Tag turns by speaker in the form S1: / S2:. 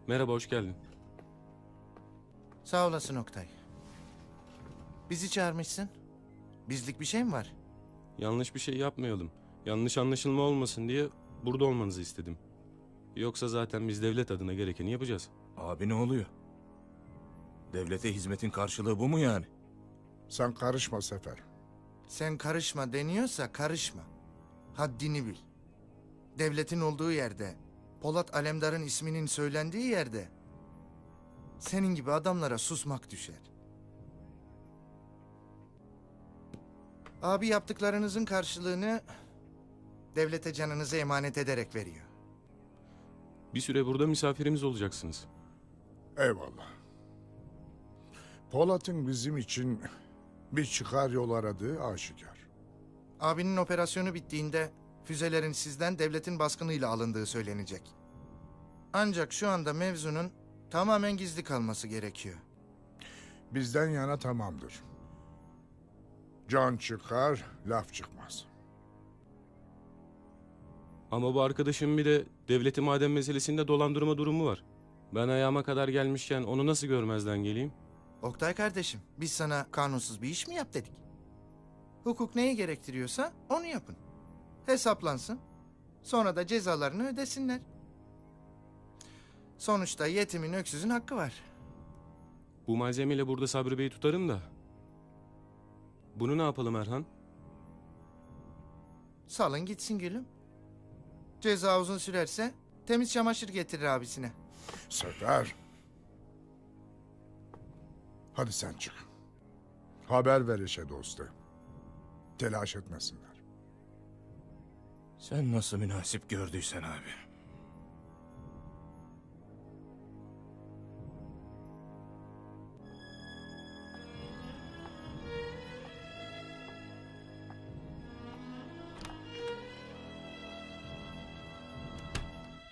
S1: Merhaba, hoş geldin.
S2: Sağ olasın Oktay. Bizi çağırmışsın. Bizlik bir şey mi var?
S1: Yanlış bir şey yapmayalım. Yanlış anlaşılma olmasın diye burada olmanızı istedim. Yoksa zaten biz devlet adına gerekeni yapacağız.
S3: Abi ne oluyor? Devlete hizmetin karşılığı bu mu yani?
S4: Sen karışma Sefer.
S2: Sen karışma deniyorsa karışma. Haddini bil. Devletin olduğu yerde, Polat Alemdar'ın isminin söylendiği yerde senin gibi adamlara susmak düşer. Abi yaptıklarınızın karşılığını devlete canınızı emanet ederek veriyor.
S1: Bir süre burada misafirimiz olacaksınız.
S4: Eyvallah. Polat'ın bizim için bir çıkar yol aradığı aşikar.
S2: Abinin operasyonu bittiğinde füzelerin sizden devletin baskınıyla alındığı söylenecek. Ancak şu anda mevzunun tamamen gizli kalması gerekiyor.
S4: Bizden yana tamamdır. Can çıkar, laf çıkmaz.
S1: Ama bu arkadaşın bir de devleti maden meselesinde dolandırma durumu var. Ben ayağıma kadar gelmişken onu nasıl görmezden geleyim?
S2: Oktay kardeşim, biz sana kanunsuz bir iş mi yap dedik? Hukuk neyi gerektiriyorsa onu yapın. Hesaplansın. Sonra da cezalarını ödesinler. Sonuçta yetimin öksüzün hakkı var.
S1: Bu malzemeyle burada Sabri Bey'i tutarım da. Bunu ne yapalım Erhan?
S2: Salın gitsin gülüm. Ceza uzun sürerse temiz çamaşır getirir abisine.
S4: Sefer. Hadi sen çık. Haber ver işe dostu. Telaş etmesinler.
S3: Sen nasıl münasip gördüysen abi.